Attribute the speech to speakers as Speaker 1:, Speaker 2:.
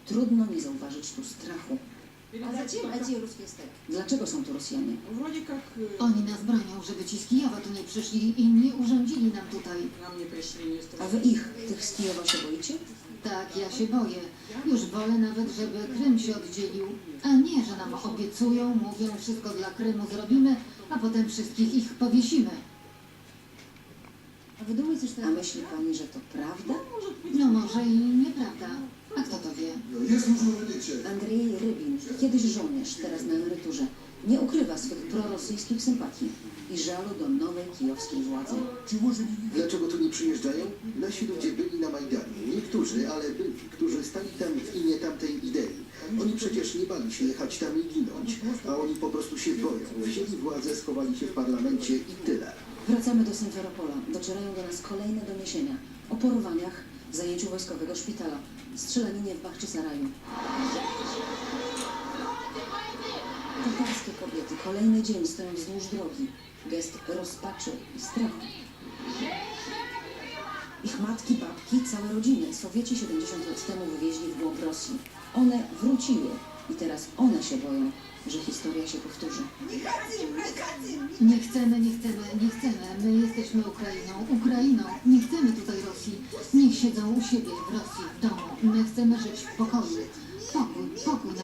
Speaker 1: Trudno nie zauważyć tu strachu.
Speaker 2: А зачем эти русские стек?
Speaker 1: Dlaczego są tu Rosjanie?
Speaker 2: Вроде как
Speaker 3: Oni nas bronią, żeby ci z Kijowa tu nie przyszli i nie urządzili nam tutaj.
Speaker 2: нам не пришли, не
Speaker 1: A wy ich, tych z Kijowa, się boicie?
Speaker 3: Tak, ja się boję. Już wolę nawet, żeby Krym się oddzielił, a nie, że nam obiecują, mówią, wszystko dla Krymu zrobimy, a potem wszystkich ich powiesimy.
Speaker 2: А вы думаете, что
Speaker 1: A myśli pani, że to prawda?
Speaker 3: No może i nieprawda. A kto to wie?
Speaker 4: Jest możliwe wyjście.
Speaker 1: Andrzej Rybin, kiedyś żołnierz, teraz na emeryturze, nie ukrywa swych prorosyjskich sympatii i żalu do nowej kijowskiej władzy.
Speaker 5: Dlaczego tu nie przyjeżdżają? Nasi ludzie byli na Majdanie. Niektórzy, ale byli, którzy stali tam w imię tamtej idei. Oni przecież nie bali się jechać tam i ginąć, a oni po prostu się boją. Wzięli władzę, schowali się w parlamencie i tyle.
Speaker 1: Wracamy do Simferopola. Docierają do nas kolejne doniesienia o porwaniach, zajęciu wojskowego szpitala, strzelaninie w Bachczysaraju. Tatarskie kobiety kolejny dzień stoją wzdłuż drogi. Gest rozpaczy i strachu. Ich matki, babki, całe rodziny Sowieci 70 lat temu wywieźli w głąb Rosji. One wróciły i teraz one się boją, że historia się powtórzy.
Speaker 3: Nie chcemy, nie chcemy, nie chcemy. My jesteśmy Ukrainą. Nie chcemy tutaj Rosji. Niech siedzą u siebie w Rosji, w domu. My chcemy żyć w pokoju. Pokój, pokój.